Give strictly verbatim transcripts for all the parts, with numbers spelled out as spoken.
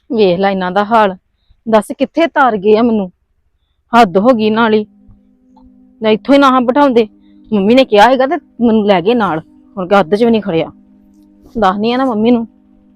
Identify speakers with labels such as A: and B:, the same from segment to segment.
A: ਵੇਖ ਲੈ ਇਹਨਾਂ ਦਾ ਹਾਲ। ਦੱਸ ਕਿੱਥੇ ਤਾਰ ਗਏ ਆ ਮੈਨੂੰ। ਹੱਦ ਹੋ ਗਈ ਨਾਲ ਹੀ। ਨਾ ਇੱਥੋਂ ਹੀ ਨਾ ਬਿਠਾਉਂਦੇ। ਮੰਮੀ ਨੇ ਕਿਹਾ ਹੈਗਾ ਤੇ ਮੈਨੂੰ ਲੈ ਗਏ ਨਾਲ। ਹੁਣ ਗੱਦ 'ਚ ਵੀ ਨਹੀਂ ਖੜਿਆ। ਦੱਸਨੀ ਆ ਨਾ ਮੰਮੀ ਨੂੰ।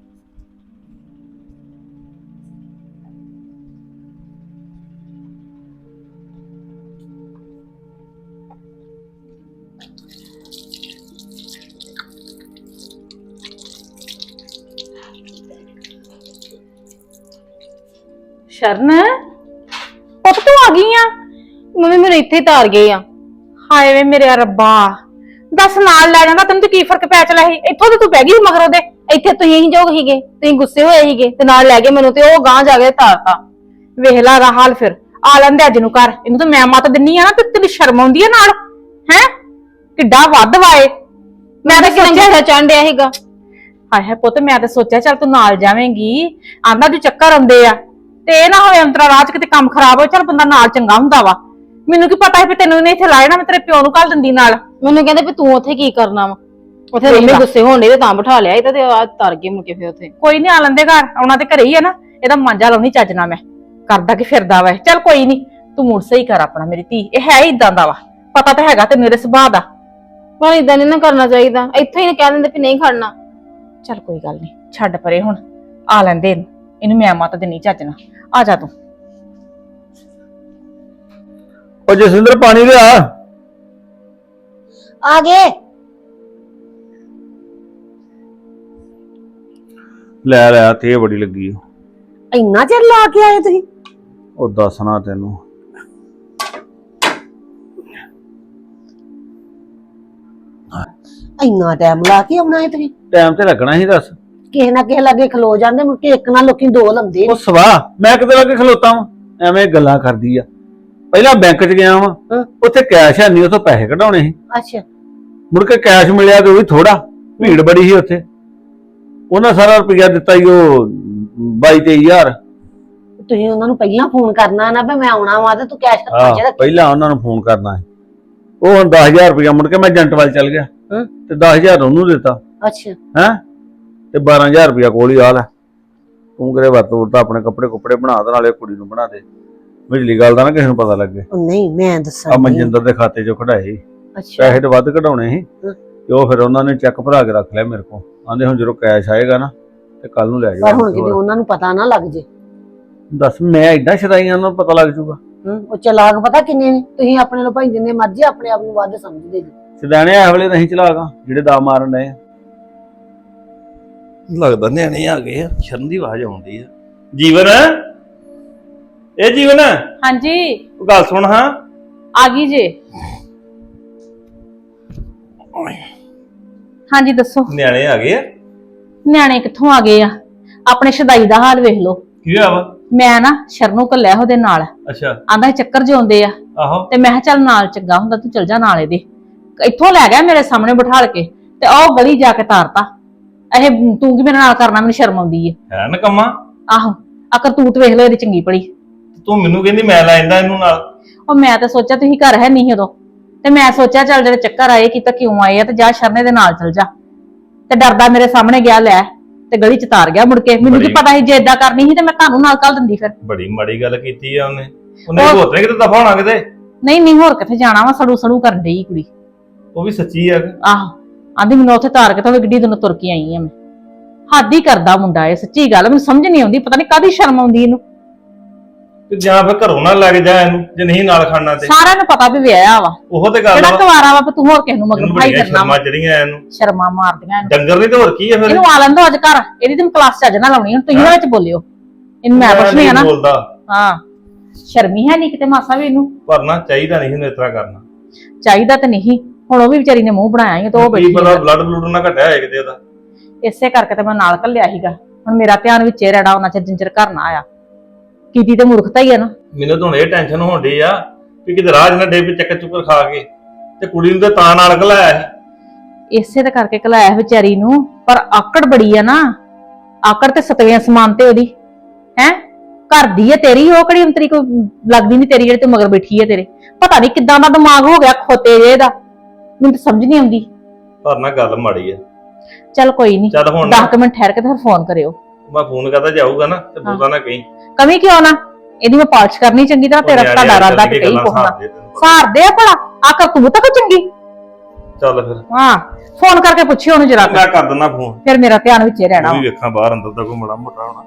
A: ਸ਼ਰਨ ਪੁੱਤ ਤੂੰ ਆ ਗਈ ਆ। ਮੰਮੀ ਮੈਨੂੰ ਇੱਥੇ ਹੀ ਤਾਰ ਗਏ ਆ।
B: ਹਾਏ ਵੇ ਮੇਰੇ ਰੱਬਾ, ਦੱਸ ਨਾਲ ਲੈ ਜਾਂਦਾ ਤੈਨੂੰ ਤੇ ਕੀ ਫਰਕ ਪੈ ਚਲਾ ਸੀ। ਇੱਥੋਂ ਤੇ ਤੂੰ ਬਹਿ ਗਈ ਮਗਰੋਂ ਦੇ।
A: ਇੱਥੇ ਤੁਸੀਂ ਹੀ ਜੋਗ ਹੀਗੇ, ਤੁਸੀਂ ਗੁੱਸੇ ਹੋਏ ਸੀਗੇ ਤੇ ਨਾਲ ਲੈ ਗਏ ਮੈਨੂੰ ਤੇ ਉਹ ਗਾਂ ਜਾ ਕੇ ਤਾਰਤਾ।
B: ਵੇਖ ਲਾ ਦਾ ਹਾਲ। ਫਿਰ ਆ ਲੈਂਦੇ ਅੱਜ ਨੂੰ ਘਰ। ਇਹਨੂੰ ਤਾਂ ਮੈਂ ਮੱਤ ਦਿੰਨੀ ਆ ਨਾ ਤੇ ਤੈਨੂੰ ਸ਼ਰਮ ਆਉਂਦੀ ਆ ਨਾਲ। ਹੈ ਕਿੱਡਾ ਵੱਧ ਵਾਏ।
A: ਮੈਂ ਤਾਂ ਕਿੰਨਾ ਚੜ੍ਹ ਡਿਆ ਸੀਗਾ।
B: ਹਾਏ ਹਾਏ ਪੁੱਤ, ਮੈਂ ਤਾਂ ਸੋਚਿਆ ਚੱਲ ਤੂੰ ਨਾਲ ਜਾਵੇਂਗੀ। ਆਂਦਾ ਤੂੰ ਚੱਕਰ ਆਉਂਦੇ ਆ ਤੇ ਇਹ ਨਾ ਹੋਵੇ ਅੰਤਰਾ ਰਾਹ ਚ ਕਿਤੇ ਕੰਮ ਖਰਾਬ ਹੋ। ਚੱਲ ਬੰਦਾ ਨਾਲ ਚੰਗਾ ਹੁੰਦਾ ਵਾ। ਮੈਨੂੰ ਕੀ ਪਤਾ ਸੀ ਵੀ ਤੈਨੂੰ ਇਹਨੇ ਇੱਥੇ ਲਾਇਆ ਨਾ। ਮੈਂ ਤੇਰੇ ਪਿਓ ਨੂੰ ਘੱਲ ਦਿੰਦੀ ਨਾਲ।
A: ਮੈਨੂੰ ਕਹਿੰਦੇ ਵੀ ਤੂੰ ਉੱਥੇ ਕੀ ਕਰਨਾ ਵਾ। ਉੱਥੇ ਮੰਮੀ ਗੁੱਸੇ ਹੋਣ ਡਏ ਤੇ ਤਾਂ ਬਿਠਾ ਲਿਆ ਇਹ ਤੇ ਆ ਤਰ ਗਏ ਮੁੜ ਕੇ ਫਿਰ ਉੱਥੇ।
B: ਕੋਈ ਨੀ, ਆ ਲੈਂਦੇ ਘਰ। ਆਉਣਾ ਤੇ ਘਰੇ ਹੀ ਆ ਨਾ। ਇਹਦਾ ਮਾਂਜਾ ਲਾਉਣੀ ਚੱਜ ਨਾ। ਮੈਂ ਕਰਦਾ ਕਿ ਫਿਰਦਾ ਵਾ। ਚੱਲ ਕੋਈ ਨੀ, ਤੂੰ ਮੁੜ ਸਹੀ ਕਰ ਆਪਣਾ। ਮੇਰੀ ਧੀ ਇਹ ਹੈ ਹੀ ਇਦਾਂ ਦਾ ਵਾ। ਪਤਾ ਤਾਂ ਹੈਗਾ ਤੈਨੂੰ ਇਹਦੇ ਸੁਭਾਅ ਦਾ।
A: ਪਰ ਇਦਾਂ ਨਹੀਂ ਨਾ ਕਰਨਾ ਚਾਹੀਦਾ। ਇੱਥੇ ਹੀ ਕਹਿ ਦਿੰਦੇ ਵੀ ਨਹੀਂ ਖੜਨਾ।
B: ਚੱਲ ਕੋਈ ਗੱਲ ਨੀ, ਛੱਡ ਪਰੇ ਹੁਣ। ਆ ਲੈਂਦੇ ਇਹਨੂੰ। ਇਹਨੂੰ ਮੈਂ ਮੱਤ ਦੇਣੀ ਚੱਜ ਨਾ। ਆ ਜਾ ਤੂੰ।
C: ਉਹ ਜਸਿੰਦਰ ਪਾਣੀ ਲਿਆ।
D: ਆ ਗਏ।
C: ਲੈ ਲਿਆ ਤੇ ਬੜੀ ਲੱਗੀ।
D: ਇੰਨਾ ਚਿਰ ਲਾ ਕੇ ਆਏ ਤੁਸੀਂ?
C: ਉਹ ਦੱਸਣਾ ਤੈਨੂੰ।
D: ਇੰਨਾ ਟਾਈਮ ਲਾ ਕੇ ਆਉਣਾ ਹੈ ਤੁਸੀਂ?
C: ਟਾਈਮ ਤੇ ਲੱਗਣਾ ਸੀ। ਦੱਸ
D: ਕਿਸੇ ਨਾ ਕਿਸੇ ਲਾਗੇ ਖਲੋ ਜਾਂਦੇ, ਮੁੜ ਕੇ ਇੱਕ ਨਾਲ ਲੋਕੀ ਦੋ ਲੰਦੇ।
C: ਉਹ ਸਵਾਹ ਮੈਂ ਕਿਤੇ ਲੱਗੇ ਖਲੋਤਾ ਵਾਂ। ਐਵੇਂ ਗੱਲਾਂ ਕਰਦੀ ਆ। ਪਹਿਲਾਂ ਬੈਂਕ 'ਚ ਗਿਆ ਵਾਂ, ਉੱਥੇ ਕੈਸ਼ ਹੈ ਨਹੀਂ, ਉੱਥੋਂ ਪੈਸੇ ਕਢਾਉਣੇ ਸੀ।
D: ਅੱਛਾ।
C: ਮੁੜ ਕੇ ਕੈਸ਼ ਮਿਲਿਆ ਤੇ ਉਹ ਵੀ ਥੋੜਾ। ਭੀੜ ਬੜੀ ਸੀ ਉੱਥੇ। ਉਹਨਾਂ ਸਾਰਾ ਰੁਪਇਆ ਦਿੱਤਾ ਹੀ ਉਹ ਬਾਈ ਤੇਈ ਹਜ਼ਾਰ।
D: ਤੁਸੀਂ ਉਹਨਾਂ ਨੂੰ ਪਹਿਲਾਂ ਫੋਨ ਕਰਨਾ ਨਾ ਵੀ ਮੈਂ ਆਉਣਾ ਵਾ ਤੇ ਤੂੰ ਕੈਸ਼ ਕਰ
C: ਆਹ,
D: ਰੱਖ।
C: ਪਹਿਲਾਂ ਉਹਨਾਂ ਨੂੰ ਫੋਨ ਕਰਨਾ ਸੀ। ਉਹ ਹੁਣ ਦਸ ਹਜ਼ਾਰ ਰੁਪਇਆ ਮੁੜ ਕੇ ਮੈਂ ਏਜੰਟ ਵੱਲ ਚੱਲ ਗਿਆ ਤੇ ਦਸ ਹਜ਼ਾਰ ਉਹਨੂੰ ਦਿੱਤਾ।
D: ਅੱਛਾ।
C: ਹੈ ਤੇ ਬਾਰਾਂ ਹਜ਼ਾਰ ਰੁਪਇਆ ਕੋਲ ਹੀ ਆ ਲੈ। ਤੂੰ ਕਰੇ ਵਰਤੋਂ ਤਾਂ ਆਪਣੇ ਕੱਪੜੇ ਕੁੱਪੜੇ ਬਣਾ ਦੇ, ਨਾਲੇ ਕੁੜੀ ਨੂੰ ਬਣਾ ਦੇ। ਵਿਚਲੀ ਗੱਲ ਦਾ ਨਾ ਕਿਸੇ ਨੂੰ ਪਤਾ ਲੱਗੇ।
D: ਨਹੀਂ ਮੈਂ ਦੱਸਾਂ।
C: ਆ ਮਨਜਿੰਦਰ ਦੇ ਖਾਤੇ 'ਚੋਂ ਕਢਾਏ।
D: ਅੱਛਾ।
C: ਪੈਸੇ ਤੇ ਵੱਧ ਕਢਾਉਣੇ ਸੀ ਤੇ ਉਹ ਫਿਰ ਉਹਨਾਂ ਨੇ ਚੈੱਕ ਭਰਾ ਕੇ ਰੱਖ ਲਿਆ ਮੇਰੇ ਕੋਲ। ਆਂਦੇ ਹੁਣ ਜਦੋਂ ਕੈਸ਼ ਆਏਗਾ ਨਾ ਤੇ ਕੱਲ ਨੂੰ ਲੈ ਜਾਓ।
D: ਪਰ ਹੁਣ ਕਿਤੇ ਉਹਨਾਂ ਨੂੰ ਪਤਾ ਨਾ ਲੱਗ ਜੇ।
C: ਦੱਸ ਮੈਂ ਐਡਾ ਸ਼ਦਾਈ ਉਹਨਾਂ ਨੂੰ ਪਤਾ ਲੱਗ ਜੂਗਾ।
D: ਉਹ ਚਲਾਕ ਪਤਾ ਕਿੰਨੇ ਨੇ। ਤੁਸੀਂ ਆਪਣੇ ਨੂੰ ਭਾਈ ਜਿੰਨੇ ਮਰਜ਼ੀ ਆਪਣੇ ਆਪ ਨੂੰ ਵੱਧ ਸਮਝਦੇ ਜੀ।
C: ਸਿਧਾਣੇ ਇਹ ਵੇਲੇ ਨਹੀਂ ਚਲਾਗਾ ਜਿਹੜੇ ਦਾ ਮਾਰਨ ਡਏ। ਲੱਗਦਾ ਨਿਆਣੇ ਆ ਗਏ ਆ। ਸ਼ਰਨ ਦੀ ਆਵਾਜ਼ ਆਉਂਦੀ ਆ। ਜੀਵਨ, ਇਹ ਜੀਵਨ।
B: ਹਾਂਜੀ।
C: ਉਹ ਗੱਲ ਸੁਣ ਹਾਂ।
B: ਆ ਗਈ ਜੇ। ਹਾਂਜੀ ਦੱਸੋ।
C: ਨਿਆਣੇ ਆ ਗਏ ਆ?
B: ਨਿਆਣੇ ਕਿੱਥੋਂ ਆ ਗਏ ਆ। ਆਪਣੇ ਸ਼ਦਾਈ ਦਾ ਹਾਲ ਵੇਖ ਲੋ।
C: ਕੀ ਹੋਇਆ ਵਾ?
B: ਮੈਂ ਨਾ ਸ਼ਰਨੂ ਕੱਲਿਆ ਉਹਦੇ ਨਾਲ।
C: ਅੱਛਾ।
B: ਆਂਦਾ ਚੱਕਰ ਜਿਉਂਦੇ ਆ।
C: ਆਹੋ।
B: ਤੇ ਮੈਂ ਕਿਹਾ ਚੱਲ ਨਾਲ ਚੰਗਾ ਹੁੰਦਾ ਤੂੰ ਚਲ ਜਾ ਨਾਲ ਇਹਦੇ। ਇੱਥੋਂ ਲੈ ਗਿਆ ਮੇਰੇ ਸਾਹਮਣੇ ਬਿਠਾਲ ਕੇ ਤੇ ਉਹ ਗਲੀ ਜਾ ਕੇ ਤਾਰਤਾ। ਇਹ ਤੂੰ ਕੀ ਮੇਰੇ ਨਾਲ ਕਰਨਾ, ਮੈਨੂੰ ਸ਼ਰਮ ਆਉਂਦੀ ਹੈ।
C: ਹੈ ਨਕਮਾ।
B: ਆਹੋ ਆ ਕਰਤੂਤ ਵੇਖ ਲੋ ਇਹਦੀ ਚੰਗੀ ਭਲੀ।
C: ਤੂੰ ਮੈਨੂੰ ਕਹਿੰਦੀ ਮੈਂ ਲੈ ਜਾਂਦਾ ਇਹਨੂੰ ਨਾਲ।
B: ਉਹ ਮੈਂ ਤਾਂ ਸੋਚਿਆ ਤੁਸੀਂ ਘਰ ਹੈ ਨਹੀਂ ਉਦੋਂ ਤੇ ਮੈਂ ਸੋਚਿਆ ਚੱਲ ਜਿਹੜੇ ਚੱਕਰ ਆਏ ਕੀਤਾ ਕਿਉਂ ਆਏ ਆ ਤੇ ਜਾ ਸ਼ਰਨੇ ਦੇ ਨਾਲ ਚਲ ਜਾ। ਤੇ ਡਰਦਾ ਮੇਰੇ ਸਾਹਮਣੇ ਗਿਆ ਲੈ ਤੇ ਗਲੀ ਚ ਤਾਰ ਗਿਆ ਮੁੜ ਕੇ। ਮੈਨੂੰ ਕੀ ਪਤਾ ਸੀ ਜੇ ਏਦਾਂ ਕਰਨੀ ਸੀ ਤੇ ਮੈਂ ਤੁਹਾਨੂੰ ਨਾਲ ਕੱਲ ਦਿੰਦੀ। ਫਿਰ
C: ਬੜੀ ਮਾੜੀ ਗੱਲ ਕੀਤੀ ਆ ਉਹਨੇ। ਉਹਨੇ ਹੋਤਰੇ ਕਿਤੇ ਦਫਾ ਹੋਣਾ ਕਿਤੇ।
B: ਨਹੀਂ ਨਹੀਂ ਹੋਰ ਕਿੱਥੇ ਜਾਣਾ ਵਾ। ਸੜੂ ਸੜੂ ਕਰਨ ਡਈ ਕੁੜੀ।
C: ਉਹ ਵੀ ਸੱਚੀ ਆ।
B: ਆਹੋ ਆਂਦੀ ਮੈਨੂੰ ਉੱਥੇ ਤਾਰ ਕੇ ਤਾਂ ਗੱਡੀ ਤੋਂ ਤੁਰ ਕੇ ਆਈ ਆ ਮੈਂ। ਹੱਦ ਹੀ ਕਰਦਾ ਮੁੰਡਾ ਇਹ। ਸੱਚੀ ਗੱਲ ਮੈਨੂੰ ਸਮਝ ਨਹੀਂ ਆਉਂਦੀ। ਪਤਾ ਨਹੀਂ ਕਾਹਦੀ ਸ਼ਰਮ ਆਉਂਦੀ ਇਹਨੂੰ।
C: ਤੇ ਜਾਂ ਫਿਰ ਘਰੋਂ ਨਾ ਲੱਗ ਜਾ ਇਹਨੂੰ ਜੇ ਨਹੀਂ ਨਾਲ ਖਾਣਾ ਤੇ।
B: ਸਾਰਿਆਂ ਨੂੰ ਪਤਾ ਵੀ ਵਿਆਹਿਆ ਵਾ।
C: ਉਹ ਤੇ ਗੱਲ
B: ਜਿਹੜਾ
C: ਵਾ।
B: ਕੁਵਾਰਾ ਵਾ ਤੂੰ ਹੋਰ ਕਿਸ ਨੂੰ ਮਗਰ ਭਾਈ ਕਰਨਾ ਵਾ।
C: ਸ਼ਰਮਾਂ ਜਿਹੜੀਆਂ ਇਹਨੂੰ
B: ਸ਼ਰਮਾਂ ਮਾਰਦੀਆਂ ਇਹਨੂੰ।
C: ਡੰਗਰ ਨਹੀਂ ਤੇ ਹੋਰ ਕੀ ਆ ਫਿਰ।
B: ਇਹਨੂੰ ਆ ਲੈਂਦੋ ਅੱਜ ਘਰ। ਇਹਦੀ ਤੇ ਕਲਾਸ ਚੱਜ ਨਾ ਲਾਉਣੀ। ਹੁਣ ਤੁਸੀਂ ਨਾ ਵਿੱਚ ਬੋਲਿਓ। ਇਹਨੂੰ ਮੈਂ ਪੁੱਛਣੀ ਆ ਨਾ।
C: ਬੋਲਦਾ
B: ਹਾਂ ਸ਼ਰਮੀ ਹੈ ਨਹੀਂ ਕਿਤੇ ਮਾਸਾ ਵੀ ਇਹਨੂੰ।
C: ਪਰ ਨਾ ਚਾਹੀਦਾ ਨਹੀਂ ਇਹਨੂੰ ਇਸ ਤਰ੍ਹਾਂ ਕਰਨਾ।
B: ਚਾਹੀਦਾ ਤਾਂ ਨਹੀਂ। ਹੁਣ ਉਹ ਵੀ ਵਿਚਾਰੀ ਨੇ ਮੂੰਹ ਬਣਾਇਆ ਹੀ ਤੇ ਉਹ
C: ਕੀ ਪਤਾ
B: ਬੈਠੀ
C: ਬਲੱਡ ਬਲੂਡ ਨਾ ਘਟਿਆ ਹੋਏ ਕਿਤੇ ਉਹਦਾ।
B: ਇਸੇ ਕਰਕੇ ਤੇ ਮੈਂ ਨਾਲ ਘੱਲਿਆ ਸੀਗਾ। ਹੁਣ ਮੇਰਾ ਧਿਆਨ ਵਿੱਚੇ ਰਹਿਣਾ ਉਹਨਾਂ ਚਿਰ ਜਿੰਚਰ ਘਰ ਨਾ ਆਇਆ। ਕੀਤੀ ਤੇ ਮੂਰਖਤਾ ਹੀ ਆ ਨਾ।
C: ਮੈਨੂੰ ਤਾਂ ਹੁਣ ਇਹ ਟੈਨਸ਼ਨ ਹੋਣ ਡਈ ਆ ਕਿ ਕਿਤੇ ਰਾਜ ਨਾ ਡੇ ਵੀ ਚੱਕਰ ਚੁੱਕਰ ਖਾ ਕੇ ਤੇ ਕੁੜੀ ਨੂੰ ਤੇ ਤਾਂ ਨਾਲ ਘਲਾਇਆ ਸੀ।
B: ਇਸੇ ਤੇ ਕਰਕੇ ਘਲਾਇਆ ਵਿਚਾਰੀ ਨੂੰ। ਪਰ ਆਕੜ ਬੜੀ ਆ ਨਾ। ਆਕੜ ਤੇ ਸਤਵੇਂ ਸਮਾਨ ਤੇ ਉਹਦੀ ਹੈ। ਘਰ ਦੀ ਹੈ ਤੇਰੀ। ਉਹ ਕਿਹੜੀ ਅੰਤਰੀ ਕੋਈ ਲੱਗਦੀ ਨਹੀਂ ਤੇਰੀ ਜਿਹੜੀ ਤੇ ਮਗਰ ਬੈਠੀ ਹੈ ਤੇਰੇ। ਪਤਾ ਨਹੀਂ ਕਿੱਦਾਂ ਦਾ ਦਿਮਾਗ ਹੋ ਗਿਆ ਖੋਤੇ ਜੇ ਦਾ। ਮੈਨੂੰ ਤਾਂ ਸਮਝ ਨਹੀਂ ਆਉਂਦੀ।
C: ਪਰ ਨਾ ਗੱਲ ਮਾੜੀ ਆ।
B: ਚੱਲ ਕੋਈ ਨਹੀਂ।
C: ਚੱਲ ਹੁਣ
B: ਦਸ ਮਿੰਟ ਠਹਿਰ ਕੇ ਤੇ ਫਿਰ ਫੋਨ ਕਰਿਓ।
E: ਮੈਂ ਫੋਨ ਕਰਦਾ ਜਾਊਗਾ ਨਾ ਤੇ ਬੋਲਦਾ ਨਾ ਕਹੀਂ
B: ਕਮੀ ਕਿਉਂ ਨਾ, ਇਹਦੀ ਮੈਂ ਪਾਲਿਸ਼ ਕਰਨੀ ਚੰਗੀ ਤਰ੍ਹਾਂ, ਤੇਰਾ ਤੁਹਾਡਾ ਇਰਾਦਾ ਤੇ ਕਹੀ ਕੋਹਣਾ ਸਾਰਦੇ ਆ ਭਲਾ ਆਕਾ ਤੂੰ ਤੱਕ ਚੰਗੀ।
E: ਚੱਲ ਫਿਰ
B: ਹਾਂ ਫੋਨ ਕਰਕੇ ਪੁੱਛਿਓ ਉਹਨੂੰ ਜਰਾ,
E: ਮੈਂ ਕਰ ਦਿੰਦਾ ਫੋਨ,
B: ਫਿਰ ਮੇਰਾ ਧਿਆਨ ਵਿੱਚ ਹੀ ਰਹਿਣਾ।
E: ਉਹ ਵੀ ਵੇਖਾਂ ਬਾਹਰ ਅੰਦਰ ਦਾ ਕੋਈ ਮੜਾ ਮੋਟਾ ਹੋਣਾ।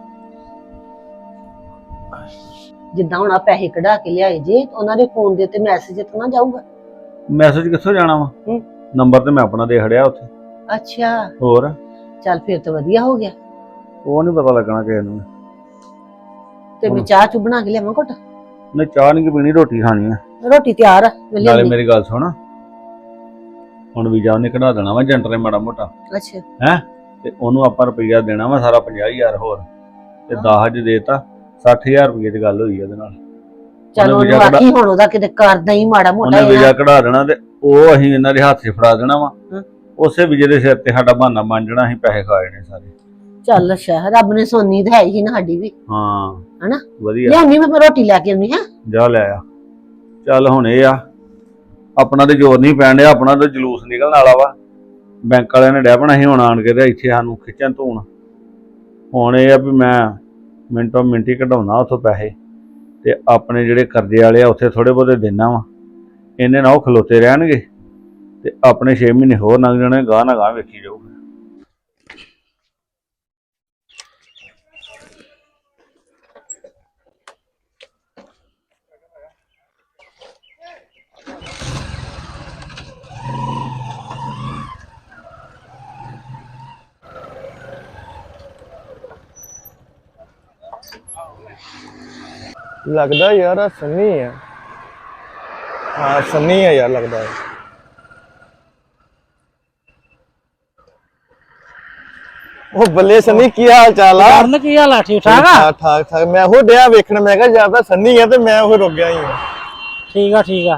D: ਜਿੱਦਾਂ ਹੁਣ ਆ ਪੈਸੇ ਕਢਾ ਕੇ ਲਿਆਏ ਜੇ ਉਹਨਾਂ ਦੇ ਫੋਨ ਦੇ ਉੱਤੇ ਮੈਸੇਜ ਤਾਂ ਨਾ ਜਾਊਗਾ?
C: ਮੈਸੇਜ ਕਿੱਥੋਂ ਜਾਣਾ ਵਾ,
D: ਹੂੰ।
C: ਨੰਬਰ ਤੇ ਮੈਂ ਆਪਣਾ ਦੇ ਖੜਿਆ ਉੱਥੇ।
D: ਅੱਛਾ
C: ਹੋਰ
D: ਚੱਲ ਫਿਰ ਤਾਂ ਵਧੀਆ ਹੋ ਗਿਆ।
C: ਉਹ ਨਹੀਂ ਪਤਾ ਲੱਗਣਾ ਕਿਸੇ ਨੂੰ।
D: ਤੇ ਮੈਂ ਚਾਹ ਚੂ ਬਣਾ ਕੇ ਲਿਆਵਾਂ ਘੁੱਟ?
C: ਨਹੀਂ ਚਾਹ ਨਹੀਂ ਪੀਣੀ, ਰੋਟੀ ਖਾਣੀ ਆ।
D: ਰੋਟੀ ਤਿਆਰ ਆ ਮੈਂ
C: ਨਾਲੇ
D: ਲਿਆਉਂਦੀ।
C: ਮੇਰੀ ਗੱਲ ਸੁਣ, ਹੁਣ ਵੀਜ਼ਾ ਉਹਨੇ ਕਢਾ ਦੇਣਾ ਵਾ ਏਜੰਟ ਨੇ ਮਾੜਾ ਮੋਟਾ,
D: ਅੱਛਾ
C: ਹੈ ਤੇ ਉਹਨੂੰ ਆਪਾਂ ਰੁਪਈਆ ਦੇਣਾ ਵਾ ਸਾਰਾ ਪੰਜਾਹ ਹਜ਼ਾਰ ਹੋਰ, ਤੇ ਦਸ ਹਜ਼ਾਰ ਦੇਤਾ, ਸੱਠ ਹਜ਼ਾਰ ਰੁਪਏ ਦੀ ਗੱਲ ਹੋਈ ਆ ਉਹਦੇ ਨਾਲ।
D: ਚਲ
C: ਉਹਨੇ
D: ਉਹਨੂੰ
C: ਵੀਜ਼ਾ
D: ਆਖੀ ਹੁਣ ਉਹਦਾ ਕਿਤੇ ਕਰਦਾ ਹੀ ਮਾੜਾ ਮੋਟਾ
C: ਉਹਨੇ ਵੀਜ਼ਾ
D: ਹੈ।
C: ਕਢਾ ਦੇਣਾ ਤੇ ਉਹ ਅਸੀਂ ਇਹਨਾਂ ਦੇ ਹੱਥ 'ਚ ਫੜਾ ਦੇਣਾ ਵਾ,
D: ਹਾਂ।
C: ਉਸੇ ਵੀਜ਼ੇ ਦੇ ਸਿਰ ਤੇ ਸਾਡਾ ਬਹਾਨਾ ਬਣ ਜਾਣਾ, ਅਸੀਂ ਪੈਸੇ ਖਾ ਜਾਣੇ ਸਾਰੇ।
D: ਚੱਲ ਅੱਛਾ ਰੱਬ ਨੇ ਸੋਨੀ ਤਾਂ ਹੈ ਹੀ ਨਾ ਸਾਡੀ ਵੀ,
C: ਹਾਂ
D: ਹਨਾ?
C: ਵਧੀਆ,
D: ਲਿਆਉਣੀ ਮੈਂ ਰੋਟੀ ਲੈ ਕੇ ਆਉਣੀ ਹੈ।
C: ਜਾ ਲੈ ਆ। ਚੱਲ ਹੁਣ ਇਹ ਆ, ਆਪਣਾ ਤੇ ਜ਼ੋਰ ਨਹੀਂ ਪੈਣ ਡਿਆ, ਆਪਣਾ ਤੇ ਜਲੂਸ ਨਿਕਲਣ ਵਾਲਾ ਵਾ। ਬੈਂਕ ਵਾਲਿਆਂ ਨੇ ਡਹਿ ਪਣਾ ਸੀ ਹੁਣ ਆਣ ਕੇ ਤੇ ਇੱਥੇ ਸਾਨੂੰ ਖਿੱਚਣ ਧੂਣ। ਹੁਣ ਇਹ ਆ ਵੀ ਮੈਂ ਮਿੰਟੋ ਮਿੰਟੀ ਕਢਾਉਣਾ ਉੱਥੋਂ ਪੈਸੇ, ਤੇ ਆਪਣੇ ਜਿਹੜੇ ਕਰਜ਼ੇ ਵਾਲੇ ਆ ਉੱਥੇ ਥੋੜੇ ਬਹੁਤੇ ਦੇਣਾ ਵਾ। ਇਹਨੇ ਨਾ ਉਹ ਖਲੋਤੇ ਰਹਿਣਗੇ ਤੇ ਆਪਣੇ ਛੇ ਮਹੀਨੇ ਹੋਰ ਲੰਘ ਜਾਣੇ, ਗਾਹ ਨਾ ਗਾਹ ਵੇਖੀ ਜਾਊਗਾ।
F: ਲੱਗਦਾ ਯਾਰ ਆ ਸੰਨੀ ਹੈ। ਹਾਂ ਸੰਨੀ ਹੈ ਯਾਰ ਲੱਗਦਾ ਹੈ। ਉਹ ਬੱਲੇ ਸੰਨੀ ਕੀ ਹਾਲ ਚਾਲ ਆ?
G: ਕਰਨ ਕੀ ਹਾਲ ਆ? ਠੀਕ ਠਾਕ ਆ?
F: ਠਾਕ ਠਾਕ ਠਾਕ। ਮੈਂ ਉਹ ਡਿਆ ਵੇਖਣ, ਮੈਂ ਕਿਹਾ ਜਾਂ ਤਾਂ ਸੰਨੀ ਹੈ ਤੇ ਮੈਂ ਉਹ ਰੁਕ ਗਿਆ ਹੀ ਹਾਂ।
G: ਠੀਕ ਆ ਠੀਕ ਆ।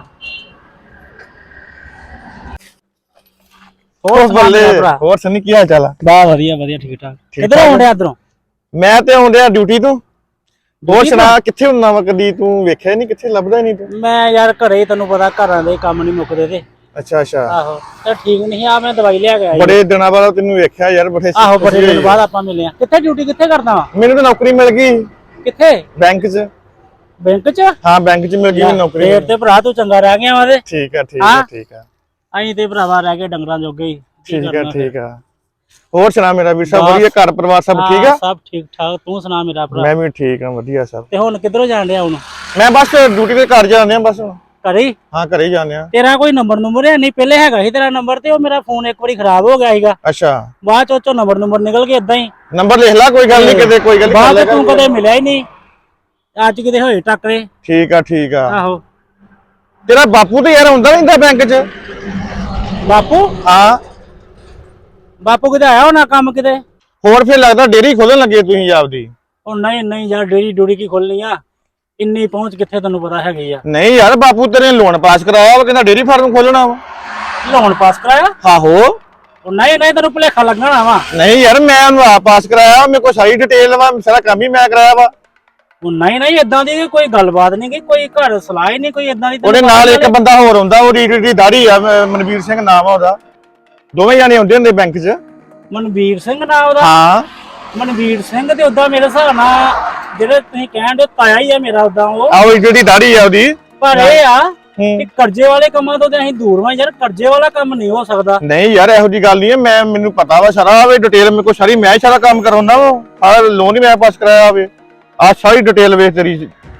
F: ਉਹ
G: ਸੁਣਾ
F: ਬੱਲੇ
G: ਮੇਰਾ ਭਰਾ?
F: ਹੋਰ ਸੰਨੀ ਕੀ ਹਾਲ ਚਾਲ ਆ?
G: ਬਾ ਵਧੀਆ ਵਧੀਆ ਠੀਕ ਠਾਕ।
F: ਠੀਕ
G: ਕਿੱਧਰੋਂ
F: ਠਾਕ।
G: ਆਉਂਦੇ ਇਧਰੋਂ?
F: ਮੈਂ ਤੇ ਆਉਂਦਿਆ ਡਿਊਟੀ ਤੋਂ। ਹੋਰ
G: ਡਿਊਟੀ
F: ਸੁਣਾ ਕਿੱਥੇ ਹੁੰਨਾ ਵਾ? ਕਦੀ ਤੂੰ ਵੇਖਿਆ ਨਹੀਂ, ਕਿੱਥੇ ਲੱਭਦਾ ਨਹੀਂ ਤੂੰ?
G: ਮੈਂ ਯਾਰ ਘਰੇ ਹੀ, ਤੈਨੂੰ ਪਤਾ ਘਰਾਂ ਦੇ ਕੰਮ ਨਹੀਂ ਮੁੱਕਦੇ ਤੇ।
F: ਅੱਛਾ ਅੱਛਾ।
G: ਆਹੋ ਤੇ ਠੀਕ ਨਹੀਂ ਆ, ਮੈਂ ਦਵਾਈ ਲਿਆ ਕੇ ਆਇਆ।
F: ਬੜੇ ਦਿਨਾਂ ਬਾਅਦ ਤੈਨੂੰ ਵੇਖਿਆ ਯਾਰ, ਬੜੇ
G: ਆਹੋ ਬੜੇ ਦਿਨ ਬਾਅਦ ਆਪਾਂ ਮਿਲੇ ਆ। ਕਿੱਥੇ ਡਿਊਟੀ ਕਿੱਥੇ ਕਰਦਾ ਵਾ?
F: ਮੈਨੂੰ ਤਾਂ ਨੌਕਰੀ ਮਿਲ ਗਈ
G: ਕਿੱਥੇ?
F: ਬੈਂਕ 'ਚ।
G: ਬੈਂਕ 'ਚ?
F: ਹਾਂ ਬੈਂਕ 'ਚ ਮਿਲ ਗਈ ਮੈਨੂੰ ਨੌਕਰੀ।
G: ਫੇਰ ਤੇ ਭਰਾ ਤੂੰ ਚੰਗਾ ਰਹਿ ਗਿਆ ਵਾ ਤੇ।
F: ਠੀਕ ਆ ਠੀਕ ਆ
G: ਹਾਂ।
F: ਠੀਕ ਆ।
G: ਅਸੀਂ ਤੇ ਭਰਾਵਾ ਰਹਿ ਗਏ ਡੰਗਰਾਂ ਜੋਗੇ ਹੀ। ਕੀ
F: ਠੀਕ ਆ
G: ਕਰਨਾ ਫਿਰ?
F: ਠੀਕ ਆ। ਹੋਰ ਸੁਣਾ ਮੇਰਾ ਵੀਰ ਸਾਹਿਬ?
G: ਬਸ।
F: ਵਧੀਆ ਘਰ ਪਰਿਵਾਰ ਸਭ ਠੀਕ ਆ?
G: ਹਾਂ, ਸਭ ਠੀਕ ਠਾਕ। ਤੂੰ ਸੁਣਾ ਮੇਰਾ ਭਰਾ?
F: ਮੈਂ ਵੀ ਠੀਕ ਆ, ਵਧੀਆ ਸਭ।
G: ਤੇ ਹੁਣ ਕਿੱਧਰੋਂ ਜਾਣ ਡਿਆ ਹੁਣ?
F: ਮੈਂ ਬਸ ਡਿਊਟੀ ਤੇ ਘਰ ਜਾਂਦੇ ਆ ਬਸ ਹੁਣ।
G: ਘਰੇ ਹੀ?
F: ਹਾਂ ਘਰੇ ਹੀ ਜਾਂਦੇ ਆ।
G: ਤੇਰਾ ਕੋਈ ਨੰਬਰ ਨੰਬਰ ਹੈ ਨਹੀਂ? ਪਹਿਲੇ ਹੈਗਾ ਸੀ ਤੇਰਾ ਨੰਬਰ, ਤੇ ਉਹ ਮੇਰਾ ਫੋਨ ਇੱਕ ਵਾਰੀ ਖਰਾਬ ਹੋ ਗਿਆ ਸੀਗਾ,
F: ਅੱਛਾ
G: ਬਾਅਦ ਚ ਉਹ ਨੰਬਰ ਨੰਬਰ ਨਿਕਲ ਕੇ ਇਦਾਂ ਹੀ।
F: ਨੰਬਰ ਲਿਖ ਲੈ, ਕੋਈ ਗੱਲ ਨਹੀਂ, ਕਿਤੇ ਕੋਈ ਗੱਲ
G: ਬਾਅਦ
F: ਨਹੀਂ।
G: ਚ ਤੂੰ ਕਦੇ ਮਿਲਿਆ ਹੀ ਨਹੀਂ, ਅੱਜ ਕਿਤੇ ਹੋਏ ਟੱਕਰੇ।
F: ਠੀਕ ਆ ਠੀਕ ਆ।
G: ਆਹੋ।
F: ਤੇਰਾ ਬਾਪੂ ਤੇ ਯਾਰ ਹੁੰਦਾ ਰਹਿੰਦਾ ਬੈਂਕ 'ਚ?
G: ਬਾਪੂ?
F: ਹਾਂ।
G: ਬਾਪੂ ਕਿਤੇ ਆਇਆ ਹੋਣਾ ਕੰਮ ਕਿਤੇ।
F: ਹੋਰ ਫਿਰ ਲੱਗਦਾ ਡੇਅਰੀ ਖੋਲਣ ਲੱਗੇ ਤੁਸੀਂ ਆਪਦੀ?
G: ਉਹ ਨਹੀਂ ਨਹੀਂ ਯਾਰ, ਡੇਰੀ ਡੂੜੀ ਕੀ ਖੋਲਣੀ ਆ, ਇੰਨੀ ਪਹੁੰਚ ਕਿੱਥੇ ਤੈਨੂੰ ਪਤਾ ਹੈਗੀ ਆ।
F: ਨਹੀਂ ਯਾਰ ਬਾਪੂ ਤੇਰੇ ਲੋਨ ਪਾਸ ਕਰਾਇਆ ਵਾ, ਕਹਿੰਦਾ ਡੇਅਰੀ ਫਾਰਮ ਖੋਲਣਾ ਵਾ।
G: ਲੋਨ ਪਾਸ ਕਰਾਇਆ?
F: ਆਹੋ।
G: ਉਹ ਨਹੀਂ ਨਹੀਂ, ਤੈਨੂੰ ਭੁਲੇਖਾ ਲੱਗਣਾ ਵਾ।
F: ਨਹੀਂ ਯਾਰ ਮੈਂ ਉਹਨੂੰ ਆਪ ਪਾਸ ਕਰਾਇਆ, ਮੇਰੇ ਕੋਲ ਸਾਰੀ ਡਿਟੇਲ ਵਾ, ਸਾਰਾ ਕੰਮ ਹੀ ਮੈਂ ਕਰਾਇਆ ਵਾ।
G: ਉਹ ਨਹੀਂ ਨਹੀਂ, ਇਦਾਂ ਦੀ ਕੋਈ ਗੱਲਬਾਤ ਨਹੀਂ, ਕੋਈ ਘਰ ਸਲਾਹ ਹੀ ਨਹੀਂ, ਕੋਈ ਇਦਾਂ ਦੀ।
F: ਉਹਦੇ ਨਾਲ ਇੱਕ ਬੰਦਾ ਹੋਰ ਹੁੰਦਾ, ਉਹ ਰੀਡ ਦੀ ਦਾੜੀ ਆ, ਮ- ਮਨਵੀਰ ਸਿੰਘ ਨਾਮ ਆ ਉਹਦਾ। ਦੋਵੇਂ ਜਾਣੇ ਹੁੰਦੇ ਹੁੰਦੇ ਬੈਂਕ 'ਚ।
G: ਮਨਵੀਰ ਸਿੰਘ ਨਾਂ ਉਹਦਾ?
F: ਹਾਂ।
G: ਮਨਵੀਰ ਸਿੰਘ ਤੇ ਉਦਾਂ ਮੇਰੇ ਹਿਸਾਬ ਨਾਲ ਜਿਹੜੇ ਤੁਸੀਂ ਕਹਿਣ ਦੇ ਤਾਇਆ ਹੀ ਆ ਮੇਰਾ ਉਦਾਂ ਉਹ।
F: ਆਹ ਉਹ ਜਿਹੜੀ ਦਾੜੀ ਆ ਉਹਦੀ।
G: ਪਰ ਇਹ ਆ
F: ਹੂੰ।
G: ਕਿ ਕਰਜ਼ੇ ਵਾਲੇ ਕੰਮਾਂ ਤੋਂ ਤੇ ਅਸੀਂ ਦੂਰ ਵਾਂ ਯਾਰ, ਕਰਜ਼ੇ ਵਾਲਾ ਕੰਮ ਨਹੀਂ ਹੋ ਸਕਦਾ।
F: ਨਹੀਂ ਯਾਰ ਇਹੋ ਜੀ ਗੱਲ ਨਹੀਂ ਹੈ, ਮੈਂ ਮੈਨੂੰ ਪਤਾ ਵਾ ਸਾਰਾ, ਵੇ ਡਿਟੇਲ ਮੇਰੇ ਕੋਲ ਸਾਰੀ, ਮੈਂ ਹੀ ਸਾਰਾ ਕੰਮ ਕਰਾਉਂਦਾ ਵਾ, ਸਾਰਾ ਲੋਨ ਹੀ ਮੈਂ ਪਾਸ ਕਰਾਇਆ ਹੋਵੇ। ਆ ਸਾਰੀ ਡਿਟੇਲ ਵੇਖ ਤੇਰੀ।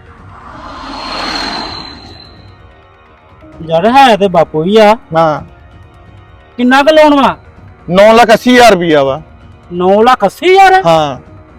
G: ਯਾਰ ਹੈ ਤੇ ਬਾਪੂ ਹੀ ਆ।
F: ਹਾਂ।
G: ਕਿੰਨਾ ਕੁ ਲੋਨ ਵਾ?
F: ਨੌ ਲੱਖ ਅੱਸੀ ਹਜ਼ਾਰ ਰੁਪਇਆ ਵਾ।
G: ਨੌ ਲੱਖ ਅੱਸੀ ਹਜ਼ਾਰ?
F: ਹਾਂ।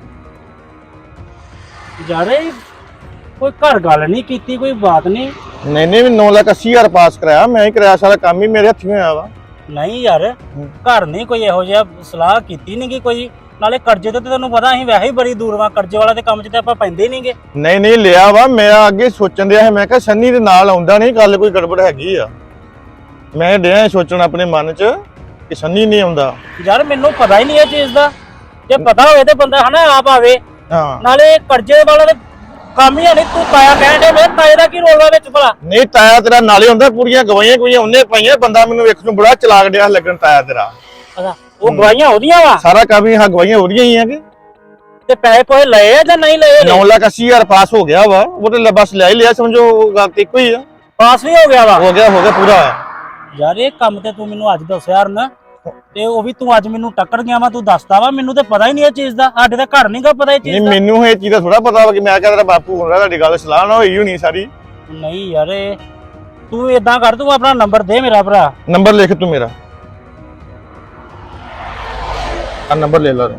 G: ਯਾਰ ਇਹ ਕੋਈ ਘਰ ਗੱਲ ਨਹੀਂ ਕੀਤੀ, ਕੋਈ ਬਾਤ ਨਹੀਂ।
F: ਨਹੀਂ ਨਹੀਂ ਨੌ ਲੱਖ ਅੱਸੀ ਹਜ਼ਾਰ ਪਾਸ ਕਰਾਇਆ, ਮੈਂ ਹੀ ਕਰਾਇਆ, ਸਾਰਾ ਕੰਮ ਹੀ ਮੇਰੇ ਹੱਥੀਂ ਹੋਇਆ ਵਾ।
G: ਨਹੀਂ ਯਾਰ ਘਰ ਨਹੀਂ ਕੋਈ ਇਹੋ ਜਿਹਾ ਸਲਾਹ ਕੀਤੀ ਨਹੀਂ ਕਿ ਕੋਈ, ਨਾਲੇ ਕਰਜ਼ੇ ਤੇ ਤੈਨੂੰ ਪਤਾ ਅਸੀਂ ਵੈਸੇ ਹੀ ਬੜੀ ਦੂਰ ਵਾਂ, ਕਰਜ਼ੇ ਵਾਲਾ ਤੇ ਕੰਮ 'ਚ ਤੇ ਆਪਾਂ ਪੈਂਦੇ ਨਹੀਂਗੇ।
F: ਨਹੀਂ ਨਹੀਂ ਲਿਆ ਵਾ, ਮੈਂ ਅੱਗੇ ਸੋਚਣ ਦਿਆ ਹੈ, ਮੈਂ ਕਿਹਾ ਸੰਨੀ ਦੇ ਨਾਲ ਆਉਂਦਾ ਨਹੀਂ, ਗੱਲ ਕੋਈ ਗੜਬੜ ਹੈਗੀ ਆ। ਮੈਂ ਡਿਆ ਸੋਚਣ ਆਪਣੇ ਮਨ 'ਚ ਕਿ ਸੰਨੀ ਨਹੀਂ ਆਉਂਦਾ।
G: ਯਾਰ ਮੈਨੂੰ ਪਤਾ ਹੀ ਨਹੀਂ ਇਹ ਚੀਜ਼ ਦਾ, ਜੇ ਪਤਾ ਹੋਵੇ ਤੇ ਬੰਦਾ ਹਨਾ ਆਪ ਆਵੇ।
F: ਹਾਂ।
G: ਨਾਲੇ ਕਰਜ਼ੇ ਵਾਲਾ ਤੇ ਕੰਮ ਹੀ ਨਹੀਂ। ਤੂੰ ਤਾਇਆ ਕਹਿਣ ਦੇ, ਮੇਰੇ ਤਾਏ ਦਾ ਕੀ ਰੋਲ ਵਾ ਵਿੱਚ ਭਲਾ?
F: ਨਹੀਂ ਤਾਇਆ ਤੇਰਾ ਨਾਲੇ ਹੁੰਦਾ, ਪੂਰੀਆਂ ਗਵਾਈਆਂ ਗਵਾਈਆਂ ਉਹਨੇ ਪਾਈਆਂ, ਬੰਦਾ ਮੈਨੂੰ ਵੇਖਣ ਨੂੰ ਬੜਾ ਚਲਾਕ ਡਿਆ ਲੱਗਣ ਤਾਇਆ ਤੇਰਾ।
G: ਅੱਛਾ, ਉਹ ਗਵਾਈਆਂ ਉਹਦੀਆਂ ਵਾ?
F: ਸਾਰਾ ਕੰਮ ਹੀ ਹਾਂ ਗਵਾਈਆਂ ਉਹਦੀਆਂ ਹੀ ਆ ਕਿ।
G: ਤੇ ਪੈਸੇ ਪੋਏ ਲਏ ਆ ਜਾਂ ਨਹੀਂ ਲਏ
F: ਨੌ ਲੱਖ ਅੱਸੀ ਹਜ਼ਾਰ ਪਾਸ ਹੋ ਗਿਆ ਵਾ ਉਹ ਤੇ ਲ- ਬਸ ਲੈ ਹੀ ਲਿਆ, ਸਮਝੋ ਉਹ ਗੱਲ ਤੇ ਇੱਕੋ ਹੀ ਆ।
G: ਪਾਸ ਵੀ ਹੋ ਗਿਆ ਵਾ
F: ਹੋ ਗਿਆ ਹੋ ਗਿਆ ਪੂਰਾ।
G: ਯਾਰ ਇਹ ਕੰਮ ਤੇ ਤੂੰ ਮੈਨੂੰ ਅੱਜ ਦੱਸਿਆ ਹਰਨ, ਤੇ ਉਹ ਵੀ ਤੂੰ ਅੱਜ ਮੈਨੂੰ ਟੱਕਰ ਗਿਆ ਵਾ, ਤੂੰ ਦੱਸਦਾ ਵਾ, ਮੈਨੂੰ ਤੇ ਪਤਾ ਹੀ ਨਹੀਂ ਇਹ ਚੀਜ਼ ਦਾ। ਸਾਡੇ ਤਾਂ ਘਰ ਨਹੀਂਗਾ ਪਤਾ ਇਹ
F: ਨਹੀਂ
G: ਚੀਜ਼ ਦਾ।
F: ਮੈਨੂੰ ਇਹ ਚੀਜ਼ ਦਾ ਥੋੜਾ ਪਤਾ ਵਾ ਕਿ ਮੈਂ ਕਿਹਾ ਤੇਰਾ ਬਾਪੂ ਹੁੰਦਾ, ਤੁਹਾਡੀ ਗੱਲ ਸਲਾਹ ਨਾ ਹੋਈ ਹੋਣੀ ਸਾਰੀ।
G: ਨਹੀਂ ਯਾਰ ਇਹ ਤੂੰ ਏਦਾਂ ਕਰ, ਤੂੰ ਆਪਣਾ ਨੰਬਰ ਦੇ ਮੇਰਾ ਭਰਾ।
F: ਨੰਬਰ ਲਿਖ ਤੂੰ ਮੇਰਾ, ਆ ਨੰਬਰ ਲੈ ਲਾ ਤੂੰ।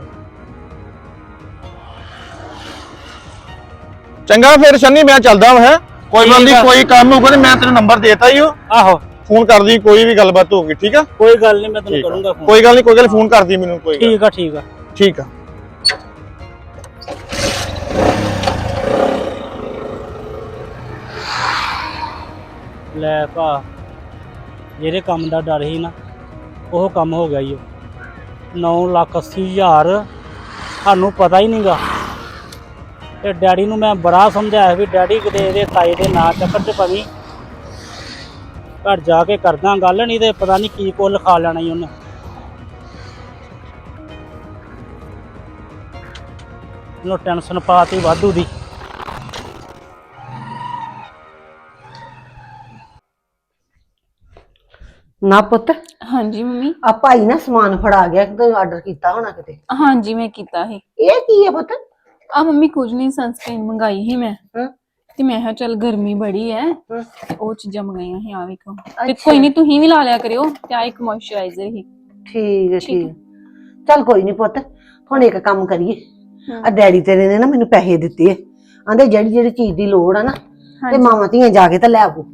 F: ਚੰਗਾ ਫਿਰ ਸ਼ਨੀ ਮੈਂ ਚੱਲਦਾ ਹਾਂ, ਹੈਂ? ਕੋਈ ਗੱਲ ਨਹੀਂ, ਕੋਈ ਕੰਮ ਹੋਊਗਾ ਤੇ ਮੈਂ ਤੈਨੂੰ ਨੰਬਰ ਦੇਤਾ ਹੀ ਉਹ,
G: ਆਹੋ
F: ਫੋਨ ਕਰਦੀ ਕੋਈ ਵੀ ਗੱਲਬਾਤ ਹੋਊਗੀ, ਠੀਕ ਆ?
G: ਕੋਈ ਗੱਲ ਨਹੀਂ, ਮੈਂ ਤੈਨੂੰ
F: ਠੀਕ ਆ।
G: ਕਰੂੰਗਾ ਫੋਨ।
F: ਕੋਈ ਗੱਲ ਨਹੀਂ, ਕੋਈ ਗੱਲ ਫੋਨ ਕਰਦੀ ਮੈਨੂੰ, ਕੋਈ ਗੱਲ
G: ਠੀਕ ਆ ਠੀਕ ਆ।
F: ਠੀਕ ਆ।
G: ਲੈ ਭਾ, ਜਿਹੜੇ ਕੰਮ ਦਾ ਡਰ ਸੀ ਨਾ ਉਹ ਕੰਮ ਹੋ ਗਿਆ ਈ। ਨੌ ਲੱਖ ਅੱਸੀ ਹਜ਼ਾਰ ਸਾਨੂੰ ਪਤਾ ਹੀ ਨਹੀਂਗਾ। ਤੇ ਡੈਡੀ ਨੂੰ ਮੈਂ ਬੜਾ ਸਮਝਾਇਆ ਵੀ ਡੈਡੀ ਕਿਤੇ ਇਹਦੇ ਤਾਏ ਦੇ ਨਾਂ ਚੱਕਰ 'ਚ ਪਵੀਂ, ਘਰ ਜਾ ਕੇ ਕਰਦਾ ਗੱਲ, ਨਹੀਂ ਤੇ ਪਤਾ ਨਹੀਂ ਕੀ ਕੁੱਲ ਖਾ ਲੈਣਾ ਈ ਉਹਨੇ। ਉਹਨੂੰ ਟੈਨਸ਼ਨ ਪਾਤੀ ਵਾਧੂ ਦੀ।
D: ਨਾ ਪੁੱਤ,
H: ਹਾਂਜੀ ਮੰਮੀ।
D: ਆ ਭਾਈ ਨਾ ਸਮਾਨ ਫੜਾ ਗਿਆ, ਕਿਤੇ ਆਰਡਰ ਕੀਤਾ ਹੋਣਾ ਕਿਤੇ।
H: ਹਾਂਜੀ ਮੈਂ ਕੀਤਾ ਸੀ।
D: ਇਹ ਕੀ ਹੈ ਪੁੱਤ?
H: ਆ ਮੰਮੀ ਕੁਝ ਨਹੀਂ, ਸਨਸਕ੍ਰੀਨ ਮੰਗਾਈ ਸੀ ਮੈਂ,
D: ਹਾਂ।
H: ਤੇ ਮੈਂ ਕਿਹਾ ਚੱਲ ਗਰਮੀ ਬੜੀ ਹੈ ਤੇ ਉਹ ਚੀਜ਼ਾਂ ਮੰਗਾਈਆਂ ਸੀ। ਆ ਵੇਖੋ, ਤੇ
D: ਅੱਛਾ।
H: ਕੋਈ ਨਹੀਂ ਤੁਸੀਂ ਵੀ ਲਾ ਲਿਆ ਕਰਿਓ। ਤੇ ਆ ਇੱਕ ਮੋਇਸਚਰਾਈਜ਼ਰ ਹੀ।
D: ਠੀਕ ਹੈ
H: ਠੀਕ
D: ਠੀਕ ਹੈ। ਚੱਲ ਕੋਈ ਨਹੀਂ ਪੁੱਤ, ਹੁਣ ਇੱਕ ਕੰਮ ਕਰੀਏ।
H: ਹਾਂ।
D: ਆ ਡੈਡੀ ਤੇਰੇ ਨੇ ਨਾ ਮੈਨੂੰ ਪੈਸੇ ਦਿੱਤੇ ਆ, ਆਂਦੇ ਜਿਹੜੀ ਜਿਹੜੀ ਚੀਜ਼ ਦੀ ਲੋੜ ਆ ਨਾ ਤੇ
H: ਹਾਂਜੀ
D: ਮਾਵਾਂ ਧੀਆਂ ਜਾ ਕੇ ਤਾਂ ਲੈ ਆਵੋ।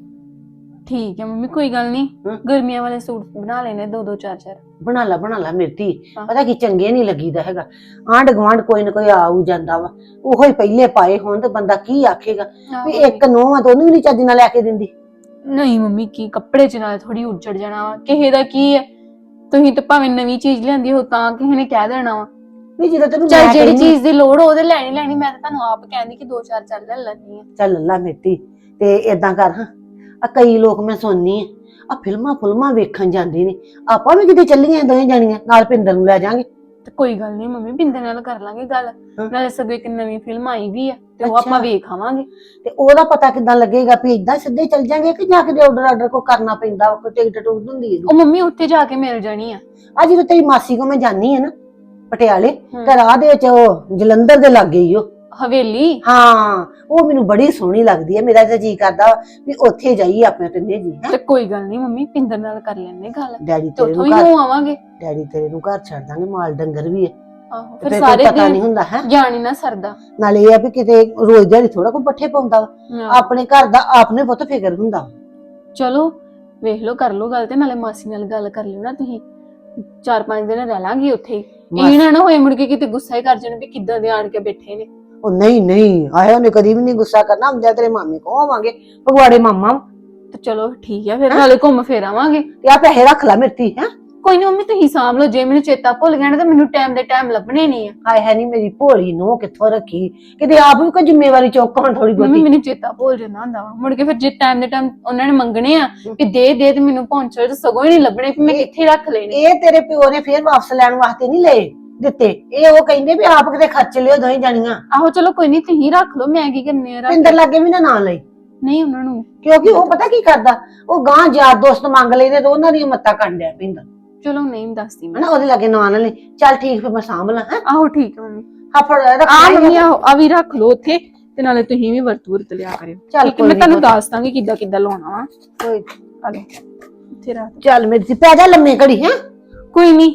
H: ਠੀਕ ਹੈ ਮੰਮੀ, ਕੋਈ ਗੱਲ ਨਹੀਂ।
D: ਹਾਂ।
H: ਗਰਮੀਆਂ ਵਾਲੇ ਸੂਟ ਬਣਾ ਲੈਣੇ ਦੋ ਦੋ ਚਾਰ ਚਾਰ।
D: ਬਣਾ ਲਾ ਬਣਾ ਲਾ ਮੇਰੀ ਧੀ,
H: ਹਾਂ।
D: ਪਤਾ ਕੀ ਚੰਗੇ ਨਹੀਂ ਲੱਗੀਦਾ ਹੈਗਾ। ਆਂਢ ਗੁਆਂਢ ਕੋਈ ਨਾ ਕੋਈ ਆਉ ਜਾਂਦਾ ਵਾ, ਉਹੋ ਹੀ ਪਹਿਲੇ ਪਾਏ ਹੋਣ ਤੇ ਬੰਦਾ ਕੀ ਆਖੇਗਾ ਵੀ ਇੱਕ ਨੂੰਹ ਆ ਤੇ ਉਹਨੂੰ ਵੀ ਨਹੀਂ ਚੱਜ ਨਾਲ ਲੈ ਕੇ ਦਿੰਦੀ।
H: ਨਹੀਂ ਮੰਮੀ, ਕੀ ਕੱਪੜੇ ਚ ਨਾਲ ਥੋੜੀ ਉੱਜੜ ਜਾਣਾ ਵਾ, ਕਿਸੇ ਦਾ ਕੀ ਹੈ। ਤੁਸੀਂ ਤਾਂ ਭਾਵੇਂ ਨਵੀਂ ਚੀਜ਼ ਲਿਆਂਦੀ ਹੋ ਤਾਂ ਕਿਸੇ ਨੇ ਕਹਿ ਦੇਣਾ ਵਾ।
D: ਵੀ ਜਦੋਂ ਤੈਨੂੰ
H: ਚੱਲ
D: ਮੈਂ
H: ਜਿਹੜੀ
D: ਕਹਿੰਦੀ-
H: ਚੀਜ਼ ਦੀ ਲੋੜ ਉਹਦੇ ਲੈਣੀ ਲੈਣੀ। ਮੈਂ ਤਾਂ ਤੁਹਾਨੂੰ ਆਪ ਕਹਿੰਦੀ ਕਿ ਦੋ ਚਾਰ ਚੱਲ ਲੈ ਲੈਣੀ ਆ।
D: ਚੱਲ ਲੱਲਾ ਮੇਟੀ, ਤੇ ਏਦਾਂ ਕਰ ਹਾਂ, ਆ ਕਈ ਲੋਕ ਮੈਂ ਸੁਣਨੀ ਆ ਆ ਫਿਲਮਾਂ ਫੁਲਮਾਂ ਵੇਖਣ ਜਾਂਦੇ ਨੇ, ਆਪਾਂ ਵੀ ਕਿਤੇ ਚੱਲੀਆਂ ਦੋਵੇਂ ਜਾਣੀਆਂ, ਨਾਲ ਪਿੰਦਰ ਨੂੰ ਲੈ ਜਾਾਂਗੇ।
H: ਤੇ ਕੋਈ ਗੱਲ ਨਹੀਂ ਮੰਮੀ, ਬਿੰਦਰ ਨਾਲ ਕਰ ਲਾਂਗੇ ਗੱਲ।
D: ਹਾਂ।
H: ਨਾਲੇ ਸਗੋਂ ਇੱਕ ਨਵੀਂ ਫਿਲਮ ਆਈ ਵੀ ਆ ਤੇ ਉਹ
D: ਅੱਛਾ।
H: ਆਪਾਂ ਵੇਖ ਆਵਾਂਗੇ।
D: ਤੇ ਉਹਦਾ ਪਤਾ ਕਿੱਦਾਂ ਲੱਗੇਗਾ ਵੀ ਏਦਾਂ ਸਿੱਧੇ ਚੱਲ ਜਾਾਂਗੇ ਕਿ ਜਾ ਕੇ ਆਰਡਰ ਆਰਡਰ ਕੋ ਕਰਨਾ ਪੈਂਦਾ, ਕੋਈ ਟਿਕਟ ਟੁਕਟ ਹੁੰਦੀ ਹੈ।
H: ਉਹ ਮੰਮੀ ਉੱਥੇ ਜਾ ਕੇ ਮਿਲ ਜਾਣੀ ਆ।
D: ਆ ਜਦੋਂ ਤੇਰੀ ਮਾਸੀ ਕੋ ਮੈਂ ਜਾਨੀ ਆ ਨਾ ਪਟਿਆਲੇ,
H: ਹਮ।
D: ਤੇ ਰਾਹ ਦੇ ਵਿੱਚ ਉਹ ਜਲੰਧਰ ਦੇ ਲੱਗੇ ਹੀ ਉਹ,
H: ਹਵੇਲੀ।
D: ਹਾਂ ਉਹ ਮੈਨੂੰ ਬੜੀ ਸੋਹਣੀ ਲੱਗਦੀ ਹੈ। ਮੇਰਾ ਤਾਂ ਜੀ ਕਰਦਾ ਵੀ ਉੱਥੇ ਜਾਈਏ ਆਪਣੇ ਤਿੰਨੇ ਜੀ। ਹੈਂ?
H: ਤੇ ਕੋਈ ਗੱਲ ਨਹੀਂ ਮੰਮੀ, ਪਿੰਦਰ ਨਾਲ ਕਰ ਲੈਣੇ ਗੱਲ।
D: ਡੈਡੀ
H: ਤੇ
D: ਤੇਰੇ
H: ਉੱਥੋਂ
D: ਨੂੰ
H: ਹੀ
D: ਘਰ
H: ਹੋ ਆਵਾਂਗੇ।
D: ਡੈਡੀ ਤੇਰੇ ਨੂੰ ਘਰ ਛੱਡ ਦਾਂਗੇ, ਮਾਲ ਡੰਗਰ ਵੀ ਹੈ,
H: ਆਹੋ
D: ਤੇ
H: ਫਿਰ
D: ਕੋਈ
H: ਸਾਰੇ
D: ਪਤਾ ਨਹੀਂ
H: ਦਿਨ
D: ਹੁੰਦਾ ਹੈ।
H: ਜਾਣੀ ਨਾ ਸਰਦਾ।
D: ਨਾਲੇ ਇਹ ਆ ਵੀ ਕਿਤੇ ਰੋਜ਼ ਦਿਹਾੜੀ ਥੋੜਾ ਕੋਈ ਪੱਠੇ ਪਾਉਂਦਾ ਵਾ,
H: ਹਾਂ।
D: ਆਪਣੇ ਘਰ ਦਾ ਆਪਨੇ ਪੁੱਤ ਫਿਕਰ ਹੁੰਦਾ।
H: ਚਲੋ ਵੇਖ ਲਓ, ਕਰ ਲਓ ਗੱਲ, ਤੇ ਨਾਲੇ ਮਾਸੀ ਨਾਲ ਗੱਲ ਕਰ ਲਿਓ ਨਾ ਤੁਸੀਂ। ਚਾਰ ਪੰਜ ਦਿਨ ਰਹਿ ਲਾਂਗੇ ਉੱਥੇ ਹੀ। ਇਹ ਨਾ ਨਾ ਹੋਏ ਮੁੜ ਕੇ ਕਿਤੇ ਗੁੱਸਾ ਹੀ ਕਰ ਜਾਣ ਵੀ ਕਿੱਦਾਂ ਦੇ ਆਣ ਕੇ ਬੈਠੇ ਨੇ।
D: ਉਹ ਨਹੀਂ ਨਹੀਂ ਆਇਆ, ਉਹਨੇ ਕਦੀ ਵੀ ਨਹੀਂ ਗੁੱਸਾ ਕਰਨਾ। ਹੁੰਦਿਆ ਤੇਰੇ ਮਾਮੇ ਕੋ ਆਵਾਂਗੇ, ਪਗਵਾੜੇ ਮਾਮਾ,
H: ਤੇ ਚਲੋ ਠੀਕ ਆ ਫਿਰ, ਨਾਲੇ ਘੁੰਮ ਫਿਰ ਆਵਾਂਗੇ।
D: ਤੇ ਆ ਪੈਸੇ ਰੱਖ ਲੈ ਮੇਰੀ ਹੈ।
H: ਕੋਈ ਨਹੀਂ ਮੰਮੀ, ਤੁਸੀਂ ਸਾਂਭ ਲਓ। ਜੇ ਮੈਨੂੰ ਚੇਤਾ ਭੁੱਲ ਗਿਆ ਨਾ ਤਾਂ ਮੈਨੂੰ ਟਾਈਮ ਦੇ ਟਾਈਮ ਲੱਭਣੇ ਨਹੀਂ ਆ।
D: ਹਾਏ ਹੈ ਨਹੀਂ ਮੇਰੀ ਭੋਲੀ ਨੂੰ ਕਿੱਥੋਂ ਰੱਖੀ, ਕਿਤੇ ਆਪ ਵੀ ਕੋਈ ਜ਼ਿੰਮੇਵਾਰੀ ਚੁੱਕ ਹੁਣ ਥੋੜੀ
H: ਮੰਮੀ
D: ਬਹੁਤੀ।
H: ਮੈਨੂੰ ਚੇਤਾ ਭੁੱਲ ਜਾਂਦਾ ਹੁੰਦਾ ਵਾ, ਮੁੜ ਕੇ ਫਿਰ ਜੇ ਟਾਈਮ ਦੇ ਟਾਈਮ ਉਹਨਾਂ ਨੇ ਮੰਗਣੇ ਆ ਕਿ ਦੇ ਦੇ, ਤੇ ਮੈਨੂੰ ਪਹੁੰਚੋ ਤੇ ਸਗੋਂ ਹੀ ਨਹੀਂ ਲੱਭਣੇ ਵੀ ਮੈਂ ਕਿੱਥੇ ਰੱਖ ਲੈਣੇ।
D: ਇਹ ਤੇਰੇ ਪਿਓ ਨੇ ਫੇਰ ਵਾਪਸ ਲੈਣ ਵਾਸਤੇ ਨਹੀਂ ਲਏ ਦਿੱਤੇ, ਇਹ ਉਹ ਕਹਿੰਦੇ ਵੀ ਆਪ ਕਿਤੇ ਖਰਚ ਲਿਓ ਦੋਵੇਂ ਜਾਣੀਆਂ।
H: ਆਹੋ ਚਲੋ ਕੋਈ ਨਹੀਂ, ਤੁਸੀਂ ਰੱਖ ਲਓ, ਮੈਂ ਕੀ ਕਰਨੇ ਆ ਰੱਖ।
D: ਪਿੰਦਰ ਲਾਗੇ ਵੀ ਨਾ ਨਾ ਲਈ,
H: ਨਹੀਂ ਉਹਨਾਂ ਨੂੰ
D: ਕਿਉਂਕਿ ਉਹ ਪਤਾ ਕੀ ਕਰਦਾ, ਉਹ ਗਾਂ ਯਾਰ ਦੋਸਤ ਮੰਗ ਲੈਂਦੇ ਤੇ ਉਹਨਾਂ ਦੀਆਂ ਮੱਤਾਂ ਕੱਢ ਲਿਆ ਪਿੰਦਰ,
H: ਚਲੋ ਨਹੀਂ ਦੱਸਦੀ ਮੈਂ।
D: ਹਨਾ ਉਹਦੇ ਲਾਗੇ ਨਾ ਨਾ ਲਈ। ਚੱਲ ਠੀਕ, ਫਿਰ ਮੈਂ ਸਾਂਭ ਲਾਂ। ਹੈ
H: ਆਹੋ ਠੀਕ ਆ ਮੰਮੀ।
D: ਹਾਂ ਫੜ ਰੱਖ
H: ਆ
D: ਲਈ।
H: ਮੰਮੀ ਆਹੋ ਆ ਵੀ ਰੱਖ ਲਓ ਉੱਥੇ, ਤੇ ਨਾਲੇ ਤੁਸੀਂ ਵੀ ਵਰਤ ਵਰਤ ਲਿਆ ਕਰਿਓ।
D: ਚੱਲ
H: ਠੀਕ ਹੈ,
D: ਕੋਈ
H: ਮੈਂ
D: ਨੀ,
H: ਤੁਹਾਨੂੰ
D: ਕੋਈ-
H: ਦੱਸ ਦਾਂਗੀ ਕਿੱਦਾਂ ਕਿੱਦਾਂ ਲਾਉਣਾ ਵਾ।
D: ਕੋਈ
H: ਆ ਲਓ ਇੱਥੇ ਰੱਖ।
D: ਚੱਲ ਮੇਰੀ ਧੀ, ਪੈ ਜਾ ਲੰਮੇ ਘੜੀ। ਹੈ
H: ਕੋਈ ਨਹੀਂ।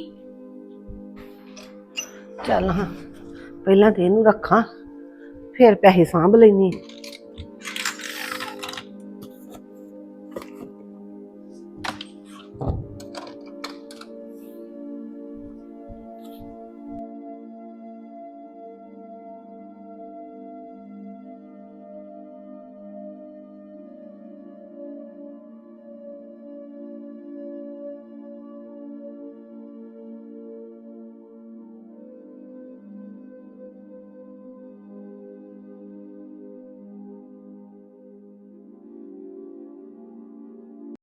D: ਚੱਲ ਹਾਂ, ਪਹਿਲਾਂ ਤੇ ਇਹਨੂੰ ਰੱਖਾਂ, ਫਿਰ ਪੈਸੇ ਸਾਂਭ ਲੈਣੀ।